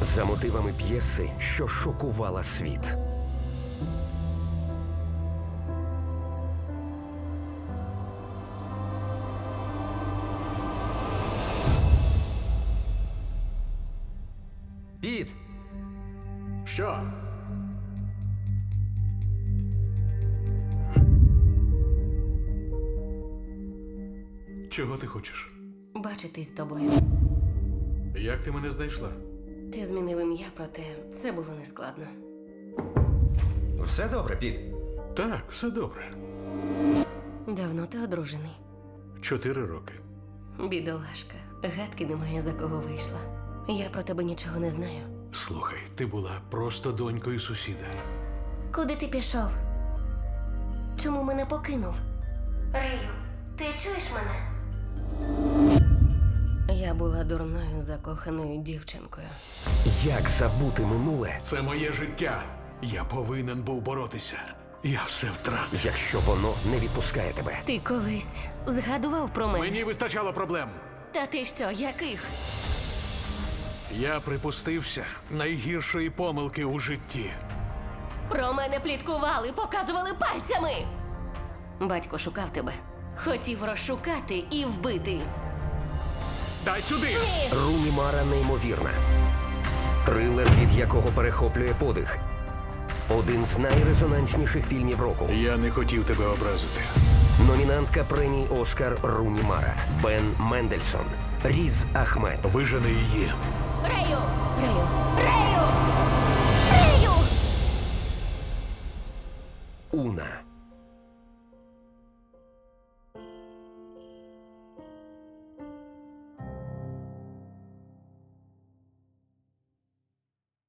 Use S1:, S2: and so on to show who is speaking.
S1: За мотивами п'єси, що шокувала світ.
S2: Піт!
S3: Що? Чого ти хочеш?
S4: Бачитись з тобою.
S3: Як ти мене знайшла?
S4: Ти змінив ім'я, проте це було нескладно.
S2: Все добре, Піт.
S3: Так, все добре.
S4: Давно ти одружений.
S3: 4 роки.
S4: Бідолашка, гадки немає, за кого вийшла. Я про тебе нічого не знаю.
S3: Слухай, ти була просто донькою сусіда.
S4: Куди ти пішов? Чому мене покинув? Рею, ти чуєш мене? Я була дурною, закоханою дівчинкою.
S1: Як забути минуле,
S3: Це моє життя. Я повинен був боротися. Я все втратив.
S1: якщо воно не відпускає тебе?
S4: Ти колись згадував про мене?
S3: Мені вистачало проблем.
S4: Та ти що, яких?
S3: Я припустився найгіршої помилки у житті.
S4: Про мене пліткували, показували пальцями. Батько шукав тебе. Хотів розшукати і вбити.
S3: Дай сюди!
S1: Руні Мара неймовірна. Трилер, від якого перехоплює подих. Один з найрезонансніших фільмів року.
S3: Я не хотів тебе образити.
S1: Номінантка премії «Оскар» Руні Мара. Бен Мендельсон. Різ Ахмед.
S3: Вижени її.
S4: Рею! Рею! Рею! Рею!
S1: Уна.